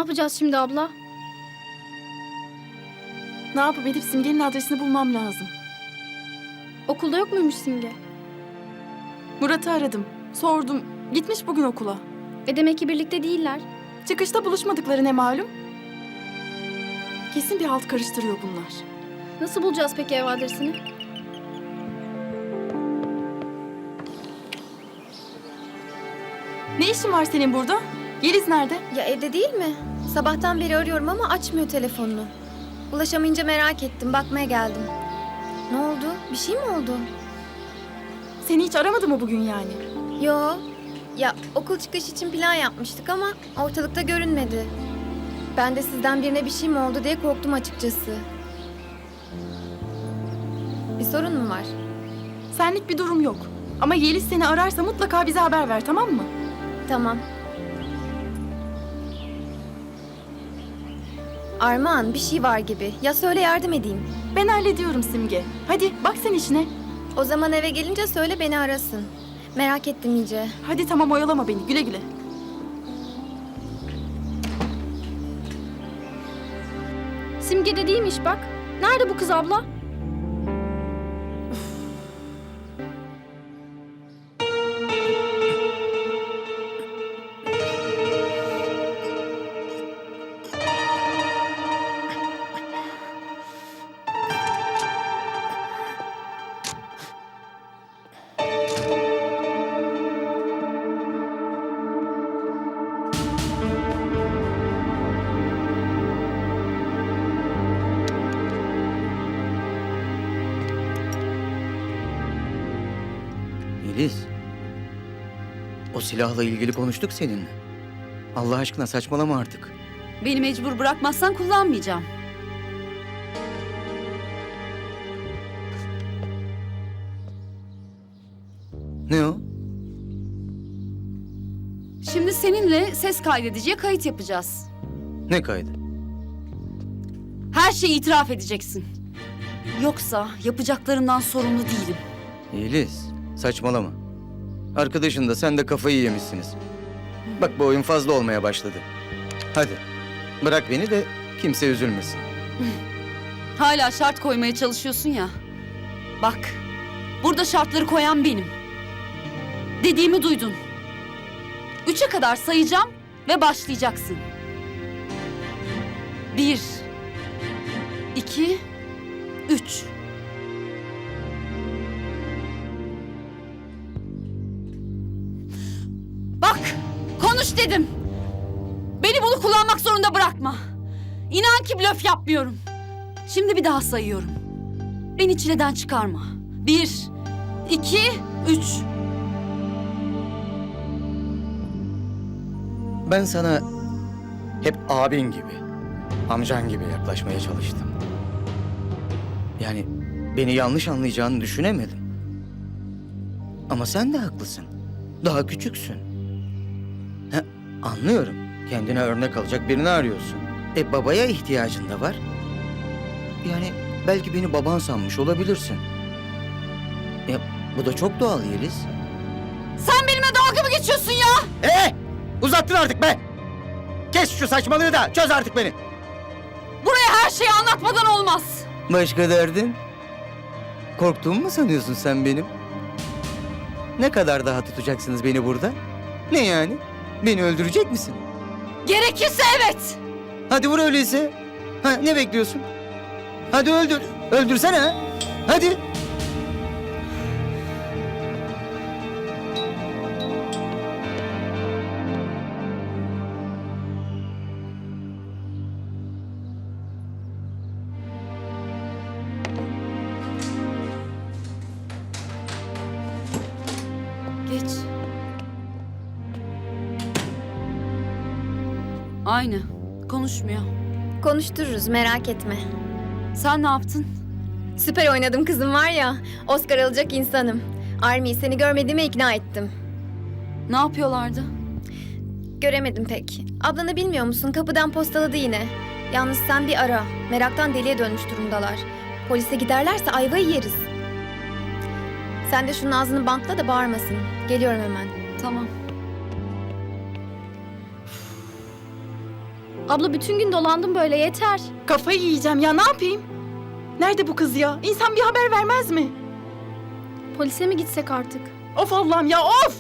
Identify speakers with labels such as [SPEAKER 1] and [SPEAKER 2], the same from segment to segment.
[SPEAKER 1] yapacağız şimdi abla?
[SPEAKER 2] Ne yapıp edip Simge'nin adresini bulmam lazım.
[SPEAKER 1] Okulda yok muymuş Simge?
[SPEAKER 2] Murat'ı aradım. Sordum. Gitmiş bugün okula.
[SPEAKER 1] Demek ki birlikte değiller.
[SPEAKER 2] Çıkışta buluşmadıkları ne malum? Kesin bir halt karıştırıyor bunlar.
[SPEAKER 1] Nasıl bulacağız peki ev adresini?
[SPEAKER 2] Ne işin var senin burada? Yeliz nerede?
[SPEAKER 3] Ya evde değil mi? Sabahtan beri arıyorum ama açmıyor telefonunu. Ulaşamayınca merak ettim, bakmaya geldim. Ne oldu? Bir şey mi oldu?
[SPEAKER 2] Seni hiç aramadı mı bugün yani?
[SPEAKER 3] Yo. Ya okul çıkış için plan yapmıştık ama ortalıkta görünmedi. Ben de sizden birine bir şey mi oldu diye korktum açıkçası. Bir sorun mu var?
[SPEAKER 2] Senlik bir durum yok. Ama Yeliz seni ararsa mutlaka bize haber ver, tamam mı?
[SPEAKER 3] Tamam. Armağan, bir şey var gibi. Ya söyle, yardım edeyim.
[SPEAKER 2] Ben hallediyorum Simge. Hadi bak sen işine.
[SPEAKER 3] O zaman eve gelince söyle, beni arasın. Merak ettim iyice.
[SPEAKER 2] Hadi tamam, oyalama beni. Güle güle.
[SPEAKER 1] Simge de değilmiş bak. Nerede bu kız abla?
[SPEAKER 4] Yeliz, o silahla ilgili konuştuk seninle. Allah aşkına saçmalama artık.
[SPEAKER 5] Beni mecbur bırakmazsan kullanmayacağım.
[SPEAKER 4] Ne o?
[SPEAKER 5] Şimdi seninle ses kaydediciye kayıt yapacağız.
[SPEAKER 4] Ne kaydı?
[SPEAKER 5] Her şeyi itiraf edeceksin. Yoksa yapacaklarından sorumlu değilim.
[SPEAKER 4] Yeliz, saçmalama. Arkadaşın da sen de kafayı yemişsiniz. Bak bu oyun fazla olmaya başladı. Hadi, bırak beni de kimse üzülmesin.
[SPEAKER 5] Hala şart koymaya çalışıyorsun ya. Bak, burada şartları koyan benim. Dediğimi duydun. 3'e kadar sayacağım ve başlayacaksın. 1, 2, 3. Bak, konuş dedim. Beni bunu kullanmak zorunda bırakma. İnan ki blöf yapmıyorum. Şimdi bir daha sayıyorum. Beni çileden çıkarma. 1, 2, 3.
[SPEAKER 4] Ben sana hep abin gibi, amcan gibi yaklaşmaya çalıştım. Yani beni yanlış anlayacağını düşünemedim. Ama sen de haklısın. Daha küçüksün. Anlıyorum. Kendine örnek alacak birini arıyorsun. Babaya ihtiyacın da var. Yani belki beni baban sanmış olabilirsin. Bu da çok doğal Yeliz.
[SPEAKER 5] Sen benimle dalga mı geçiyorsun ya?
[SPEAKER 4] Uzattın artık be! Kes şu saçmalığı da çöz artık beni.
[SPEAKER 5] Buraya her şeyi anlatmadan olmaz.
[SPEAKER 4] Başka derdin? Korktuğumu mu sanıyorsun sen benim? Ne kadar daha tutacaksınız beni burada? Ne yani? Beni öldürecek misin?
[SPEAKER 5] Gerekirse evet.
[SPEAKER 4] Hadi vur öyleyse. Ne bekliyorsun? Hadi öldür. Öldürsene ha. Hadi.
[SPEAKER 5] Geç. Aynı. Konuşmuyor.
[SPEAKER 3] Konuştururuz, merak etme.
[SPEAKER 5] Sen ne yaptın?
[SPEAKER 3] Süper oynadım kızım var ya. Oscar alacak insanım. Army, seni görmediğime ikna ettim.
[SPEAKER 5] Ne yapıyorlardı?
[SPEAKER 3] Göremedim pek. Ablanı bilmiyor musun? Kapıdan postaladı yine. Yalnız sen bir ara. Meraktan deliye dönmüş durumdalar. Polise giderlerse ayvayı yeriz. Sen de şunun ağzını bantla da bağırmasın. Geliyorum hemen.
[SPEAKER 5] Tamam.
[SPEAKER 1] Abla bütün gün dolandım böyle yeter.
[SPEAKER 2] Kafayı yiyeceğim ya, ne yapayım? Nerede bu kız ya? İnsan bir haber vermez mi?
[SPEAKER 1] Polise mi gitsek artık?
[SPEAKER 2] Of Allah'ım ya, of!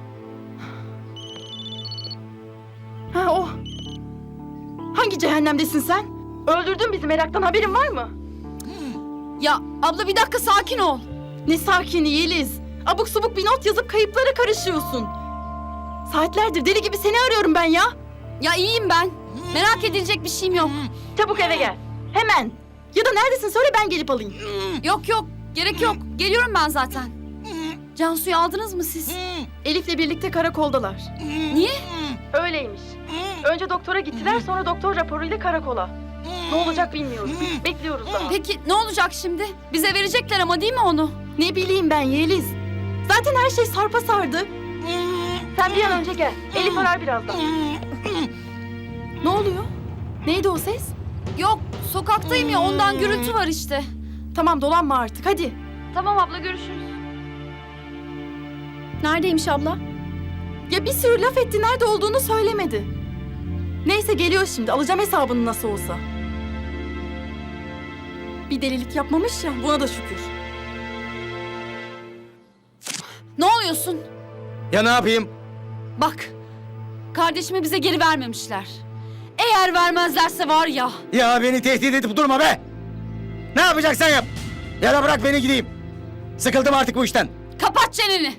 [SPEAKER 2] Ha o. Hangi cehennemdesin sen? Öldürdün bizi meraktan, haberin var mı?
[SPEAKER 5] Ya abla bir dakika sakin ol.
[SPEAKER 2] Ne sakini Yeliz. Abuk subuk bir not yazıp kayıplara karışıyorsun. Saatlerdir deli gibi seni arıyorum ben ya.
[SPEAKER 5] Ya iyiyim ben. Merak edilecek bir şeyim yok.
[SPEAKER 2] Çabuk eve gel. Hemen. Ya da neredesin söyle, ben gelip alayım.
[SPEAKER 5] Yok yok gerek yok. Geliyorum ben zaten. Cansu'yu aldınız mı siz?
[SPEAKER 2] Elif'le birlikte karakoldalar.
[SPEAKER 5] Niye?
[SPEAKER 2] Öyleymiş. Önce doktora gittiler, sonra doktor raporuyla karakola. Ne olacak bilmiyoruz. Bekliyoruz daha.
[SPEAKER 5] Peki ne olacak şimdi? Bize verecekler ama değil mi onu?
[SPEAKER 2] Ne bileyim ben Yeliz. Zaten her şey sarpa sardı. Sen bir an önce gel. Elif arar birazdan. Ne oluyor? Neydi o ses?
[SPEAKER 5] Yok sokaktayım ya ondan gürültü var işte.
[SPEAKER 2] Tamam, dolanma artık hadi.
[SPEAKER 5] Tamam abla görüşürüz.
[SPEAKER 1] Neredeymiş abla?
[SPEAKER 2] Ya bir sürü laf etti, nerede olduğunu söylemedi. Neyse geliyor şimdi, alacağım hesabını nasıl olsa. Bir delilik yapmamış ya, buna da şükür.
[SPEAKER 5] Ne oluyorsun?
[SPEAKER 4] Ya ne yapayım?
[SPEAKER 5] Bak kardeşimi bize geri vermemişler. Eğer vermezlerse var ya.
[SPEAKER 4] Ya beni tehdit edip durma be! Ne yapacaksan yap! Ya da bırak beni gideyim. Sıkıldım artık bu işten.
[SPEAKER 5] Kapat çeneni.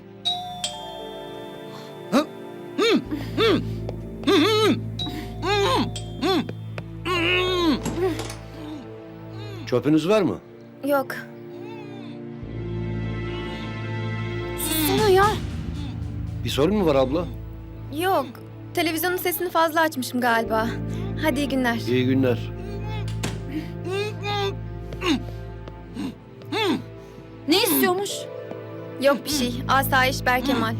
[SPEAKER 6] Çöpünüz var mı?
[SPEAKER 3] Yok.
[SPEAKER 5] Sana ya.
[SPEAKER 6] Bir sorun mu var abla?
[SPEAKER 3] Yok. Televizyonun sesini fazla açmışım galiba. Hadi iyi günler.
[SPEAKER 6] İyi günler.
[SPEAKER 5] Ne istiyormuş?
[SPEAKER 3] Yok bir şey. Asayiş Berkemal.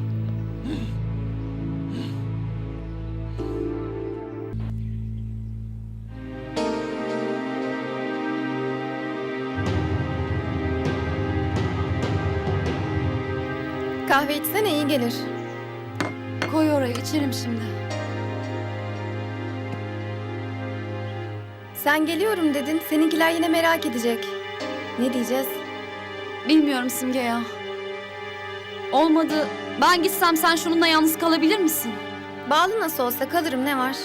[SPEAKER 3] Kahve içsene, iyi gelir.
[SPEAKER 5] Koy oraya içerim şimdi.
[SPEAKER 3] Sen geliyorum dedin. Seninkiler yine merak edecek. Ne diyeceğiz?
[SPEAKER 5] Bilmiyorum Simge ya. Olmadı. Ben gitsem sen şununla yalnız kalabilir misin?
[SPEAKER 3] Bağlı nasıl olsa kalırım, ne var?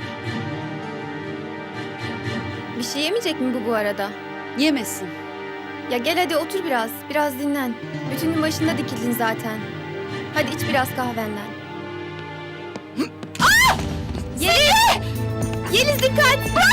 [SPEAKER 3] Bir şey yemeyecek mi bu arada?
[SPEAKER 5] Yemesin.
[SPEAKER 3] Ya gel hadi otur biraz. Biraz dinlen. Bütün gün başında dikildin zaten. Hadi iç biraz kahvenden. Yeliz! Yeliz dikkat!